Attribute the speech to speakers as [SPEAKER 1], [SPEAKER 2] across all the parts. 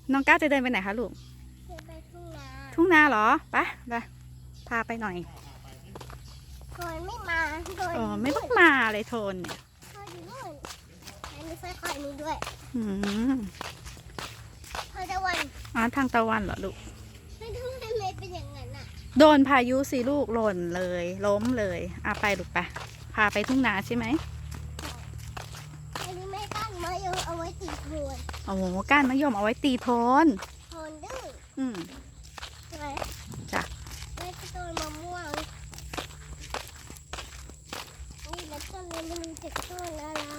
[SPEAKER 1] น้องก้าวจะเดินไปไหนคะลูก
[SPEAKER 2] เดินไปทุ่งนา
[SPEAKER 1] ทุ่งนาเหรอไปพาไปหน่อย
[SPEAKER 2] โทนไม่มาโทน
[SPEAKER 1] อ๋อไม่ต้องมาเลยโทนเนี่ย
[SPEAKER 2] โทนอยู่นู่นแล้วมีไฟคอยนี้ด้วยเธอตะวัน
[SPEAKER 1] ทางตะวันเหรอลูก
[SPEAKER 2] ไม่ทำไมเป็นอย่างนั้นอ่ะ
[SPEAKER 1] โดนพายุสิลูกหล่นเลยล้มเลยไปลูกไปพาไปทุ่งนาใช่ไหม
[SPEAKER 2] อันนี้ไม่กั้นมายมเอาไว้ตีโทน
[SPEAKER 1] โอ้โหก้านมะยมเอาไว้ตีโทน
[SPEAKER 2] โทนดื้อใช่ไหม
[SPEAKER 1] จ้ะ
[SPEAKER 2] ไม่ต้นมะม่วงนี่แล้วต้นนี้มันเป็นต้นอะไร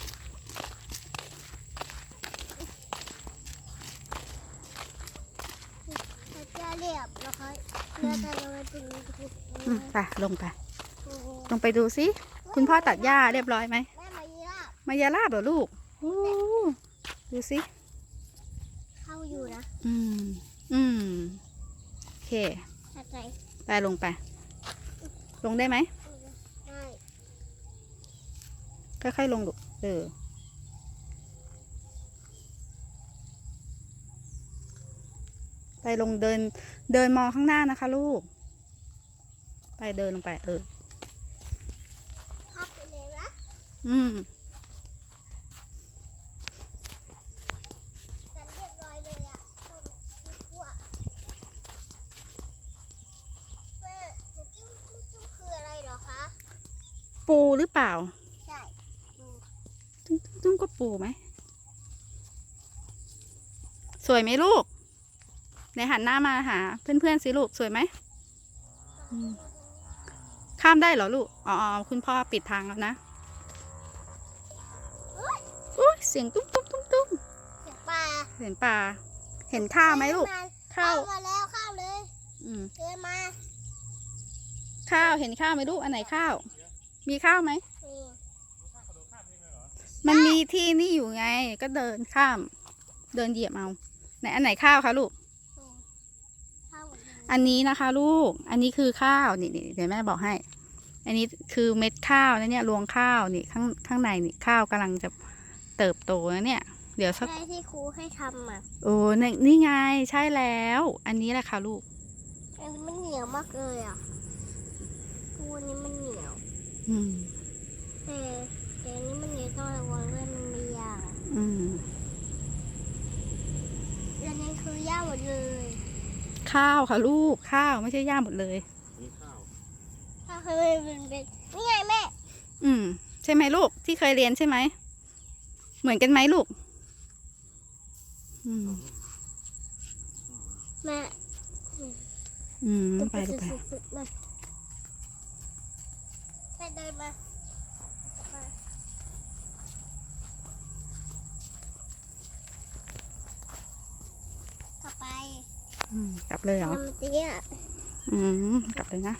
[SPEAKER 2] จะเรียบแล้วค่อยเรือจะลงไปตรงนี้
[SPEAKER 1] ไปลงไปดูสิคุณพ่อตัดหญ้าเรียบร้อยไหม
[SPEAKER 2] แม่
[SPEAKER 1] มายาลาบเหรอลูกดูสิ
[SPEAKER 2] เข้าอยู่นะ
[SPEAKER 1] โอเค
[SPEAKER 2] ไป
[SPEAKER 1] ลงได้ไหม
[SPEAKER 2] ได้
[SPEAKER 1] ค่อยๆลงลูกไปลงเดินมองข้างหน้านะคะลูกไปเดินลงไป
[SPEAKER 2] พับไปเลยนะจันเรียบร้อยเลยอ่ะทั่วแม่จิ้มคืออะไรเหรอคะ
[SPEAKER 1] ปูหรือเปล่า
[SPEAKER 2] ใช่
[SPEAKER 1] จุ้งก็ปูไหมสวยไหมลูกในหันหน้ามาหาเพื่อนๆสิลูกสวยไหมข้ามได้เหรอลูกคุณพ่อปิดทางแล้วนะเสียงตุ้ม
[SPEAKER 2] เสียงปลา
[SPEAKER 1] เห็นข้าวไหมลูก
[SPEAKER 2] ข้าวมาแล้วข้าวเลยเดินมา
[SPEAKER 1] ข้าวเห็นข้าวไหมลูกอันไหนข้าวมีข้าวไหมมันมีที่นี่อยู่ไงก็เดินข้ามเดินเหยียบเอาไหนอันไหนข้าวคะลูกอันนี้นะคะลูกอันนี้คือข้าวนี่เดี๋ยวแม่บอกให้อันนี้คือเม็ดข้าวนะเนี่ยรวงข้าวนี่ข้างในนี่ข้าวกำลังจะเติบโตนะเนี่ยเดี๋ยวสัก
[SPEAKER 2] ใช่ที่ครูให้ทำ
[SPEAKER 1] โอ้นี่ไงใช่แล้วอันนี้แหละค่ะลูก
[SPEAKER 2] อันนี้มันเหนียวมากเลยอ่ะปูนี้มันเหนียวแต่อันนี้มันเหนียวต้องระวังด้วยมันมียางแล้วนี่คือย่าหมดเลย
[SPEAKER 1] ข้าวค่ะลูกข้าวไม่ใช่หญ้าหมดเลย
[SPEAKER 2] นี่ข้าวเคยเป็นนี่ไงแม่
[SPEAKER 1] ใช่ไหมลูกที่เคยเรียนใช่ไหมเหมือนกันไหมลูก
[SPEAKER 2] แม่
[SPEAKER 1] ไปดูไป
[SPEAKER 2] เดินมา
[SPEAKER 1] กลับเลยเหรอกลับเลยนะ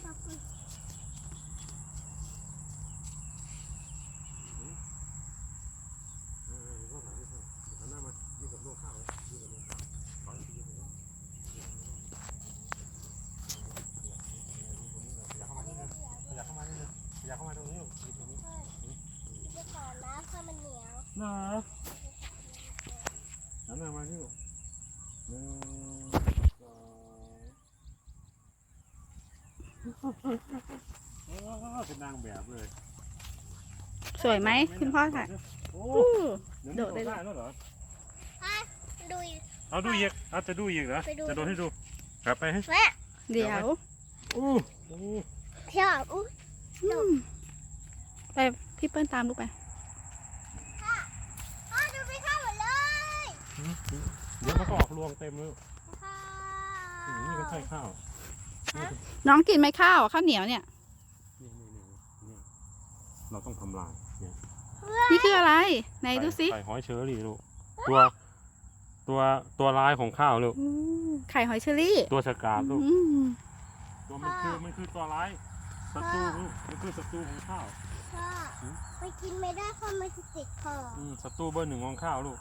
[SPEAKER 3] อยากเข้ามาตรงนี้อยู่ตรงนี้
[SPEAKER 2] จะขอน้ำถ้ามันเหนียว
[SPEAKER 3] นะน้ำมาที่เป็นนางแบบเลย
[SPEAKER 1] สวยไหมคุณพ่อค่ะ
[SPEAKER 3] โดดได้แล้วเหรอ
[SPEAKER 2] ดู
[SPEAKER 3] อีกจะดูอีกเหรอจะโดดให้ดูกลับไปให้
[SPEAKER 1] เดี๋ยว
[SPEAKER 2] เที่ยว
[SPEAKER 1] ไปพี่เปิ้ลตามลูกไป
[SPEAKER 2] ดูไปข้าวหมดเลย
[SPEAKER 3] เดี๋ยวมันก็ออกรวงเต็มเลยนี่ก็ใช่ข้าว
[SPEAKER 1] น้องกินไหมข้าวเหนียวเนี่ย
[SPEAKER 3] เราต้องทำลาย
[SPEAKER 1] นี่คืออะไรไหนดูสิ
[SPEAKER 3] ไข่หอยเชอรี่ลูกตัวลายของข้าวลูก
[SPEAKER 1] ไข่หอยเชอรี่
[SPEAKER 3] ตัวฉกาจลูกตัวมันคือตัวลายศัตรูมันคือศัตรูของข้าว
[SPEAKER 2] ไปกินไม่ได้เพราะมันจะติดคอ
[SPEAKER 3] ศัตรูเบอร์ 1ของข้าวลูก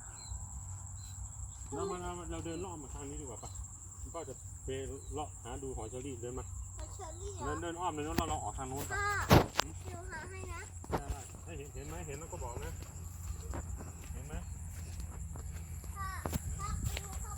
[SPEAKER 3] เราเดินเลาะมาทางนี้ดีกว่าปะก็จะไปเลาะหาดูหอยเชอรี่เดินมาเดินอ้อมเลยแล้วเราออกทางโน้น
[SPEAKER 2] ดูหาให้นะ
[SPEAKER 3] เห็นไหมแล้วก็บอกนะเห็นไหม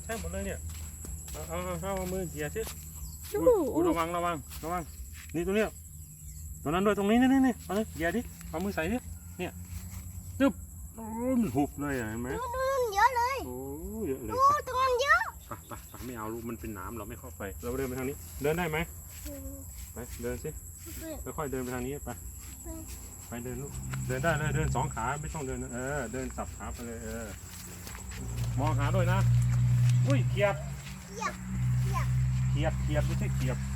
[SPEAKER 3] แทบหมดเลยเนี่ยเอามือเขี่ยสิ
[SPEAKER 1] อู้
[SPEAKER 3] อุ๊ยระวังนี่ตัวเนี้ยตัวนั้นด้วยตรงนี้นี่เอาเลยเขี่ยดิเอามือใส่ดิเนี่ยจึ๊บโอ้ยมันหุบเลยเห็นไหม
[SPEAKER 2] นู่นเยอะเลย
[SPEAKER 3] โอ้เยอะเลย
[SPEAKER 2] โอ้ตรงนั้นเยอะ
[SPEAKER 3] ไปไม่เอาลูกมันเป็นน้ำเราไม่เข้าไปเราเดินไปทางนี้เดินได้ไหมไปเดินสิค่อยๆเดินไปทางนี้ไปเดินลูกเดินได้เลยเดิน2 ขาไม่ต้องเดินเดินสับขาไปเลยมองหาด้วยนะอุ้ยเขียบไม่ใช่เขียบ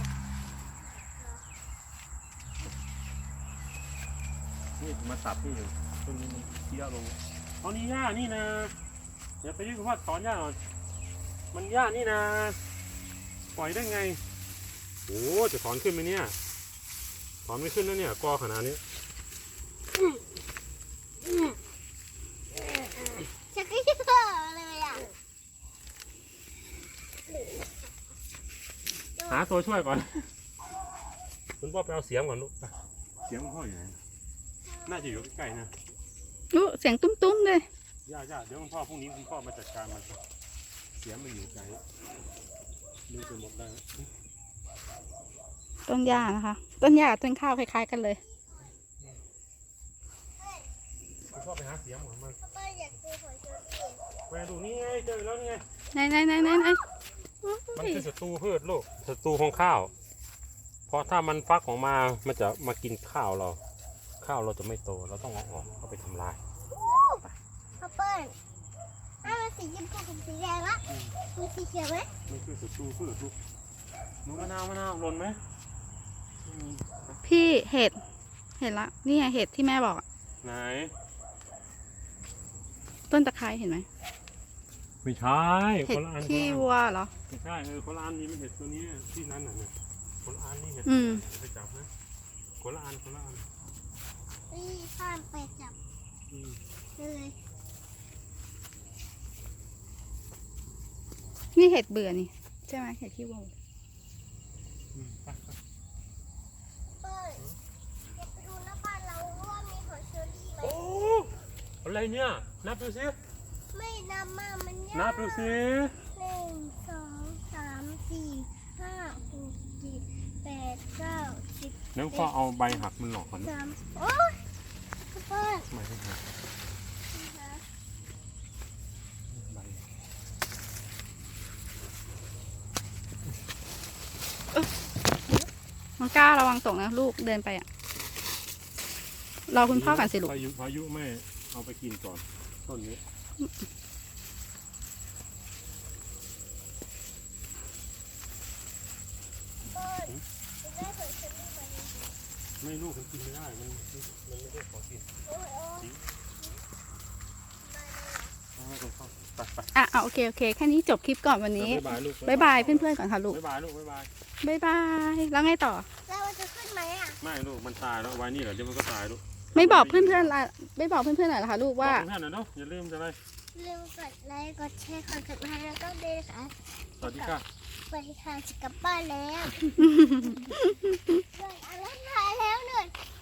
[SPEAKER 3] นี่มาตับนี่อยู่ต้นนี้มันเคี้ยวลงเอานี่หญ้านี่นะอย่าไปยุ่งกับว่าถอนหญ้าหน่อยมันหญ้านี่นะปล่อยได้ไงโอ้จะถอนขึ้นไหมเนี่ยถอนไม่ขึ้นแล้วเนี่ยกอขนาดนี้
[SPEAKER 2] ชักกระเยอะเลยอ่ะ
[SPEAKER 3] หาตัวช่วยก่อนคุณพ่อไปเอาเสียมก่อนลูกเสียมพ่ออยู่ไหนน่าจะอยู่ใกล้ๆนะ
[SPEAKER 1] อู้เสียงตุ้มๆเลย
[SPEAKER 3] ย่าเดี๋ยวคุณพ่อพรุ่งนี้คุณพ่อมาจัดการมันเสียมมันอยู่ไกลดูจนหมดได้
[SPEAKER 1] ต้นหญ้านะคะ ต้นหญ้าต้นข้าวคล้ายๆกันเลย
[SPEAKER 3] คุณพ่อไปหาเสียมก่อนมัน
[SPEAKER 2] ป้าอยากดูหอยเชอรี่
[SPEAKER 3] ไปดูนี่ไงเจอแล้วนี่ไง
[SPEAKER 1] ไหน
[SPEAKER 3] มันคือศัตรูพืชลูกศัตรูของข้าวเพราะถ้ามันฟักออกมามันจะมากินข้าวเราจะไม่โตเราต้องเอาออกเอาไปทำลาย
[SPEAKER 2] ป้าเปิ้ลมันสีชมพูกับสีแดงละมีสีเขียวไหม
[SPEAKER 3] มันคือศัตรูพืชลูกหนูมะนาวหล่นไหม
[SPEAKER 1] พี่เห็ดละนี่ไงเห็ดที่แม่บอกอะ
[SPEAKER 3] ไหน
[SPEAKER 1] ต้นตะไคร้เห็นไหม
[SPEAKER 3] ไม่ใช่
[SPEAKER 1] เห็
[SPEAKER 3] ค
[SPEAKER 1] ด
[SPEAKER 3] นละอัน
[SPEAKER 1] ขี้วัวเหรอ
[SPEAKER 3] ไม่ใช่คนละอันนี้ไม่เห็ดตัวนี้ที่นั้นน่ะเนี่ยคนละอันนี่เห็ด
[SPEAKER 1] อืม
[SPEAKER 3] ไปจับนะคนละอัน
[SPEAKER 2] นี่ข้ามไปจับ
[SPEAKER 3] อืม
[SPEAKER 2] เลย
[SPEAKER 1] นี่เห็ดเบื่อนี่ใช่ไหมเห็ดขี้วัว
[SPEAKER 3] ไป
[SPEAKER 2] เปิ้ลอยากไปดูหน้าบ้านเราว่ามีหอยเชอรี่ไหม
[SPEAKER 3] โอ้อะไรเนี่ยนับดูสิ
[SPEAKER 2] ไม่นำมามันยาก
[SPEAKER 3] นับดูสิ
[SPEAKER 2] 1 2 3 4 5 6 7 8 9 10
[SPEAKER 3] เดี๋ยวพ่อเอาใบหักมันหลอกก่อน
[SPEAKER 2] 3โอ๊ยเปิ้ล
[SPEAKER 3] ใบหักใบ
[SPEAKER 1] มังกล้าระวังตกนะลูกเดินไปอ่ะรอคุณพ่อก่อนสิลูก
[SPEAKER 3] พายุไม่เอาไปกินก่อนต้นนี้
[SPEAKER 2] เปิ้ลจะได้หอยเชอรี่ไหม
[SPEAKER 3] ไม่ลูกมันกินไม่ได้มันไม่ได้ของกิน
[SPEAKER 2] โอ้ย
[SPEAKER 3] เอาให้คุณพ่อไป
[SPEAKER 1] อ่ะโอเคแค่นี้จบคลิปก่อนวันนี้
[SPEAKER 3] บ๊ายบายลูก
[SPEAKER 1] บ๊ายบายเพื่อนๆก่อนค่ะลูก
[SPEAKER 3] บ๊ายบายลูกบ๊ายบาย
[SPEAKER 1] บ๊ายบายแล้วไงต่อ
[SPEAKER 2] แล้วมันจะขึ้นไหมอ่ะ
[SPEAKER 3] ไม่ลูกมันตายแล้วไว้นี่เหรอเดี๋ยวมันก็ตายลูก
[SPEAKER 1] ไม่บอกเพื่อนๆละไม่บอกเพื่อนๆหน่อยเหรอคะลูกว่า
[SPEAKER 3] บอกเพื่อนๆหน่อยเนาะอย่าลืมจะอะไร
[SPEAKER 2] ลืมกดไลค์กดแชร์กดติดตามแล้วก็เดินค่ะ
[SPEAKER 3] สวัสดีค่ะ
[SPEAKER 2] ไปค่ะจะกลับบ้านแล้วเดินอะไรถ่ายแล้วเหนื่อย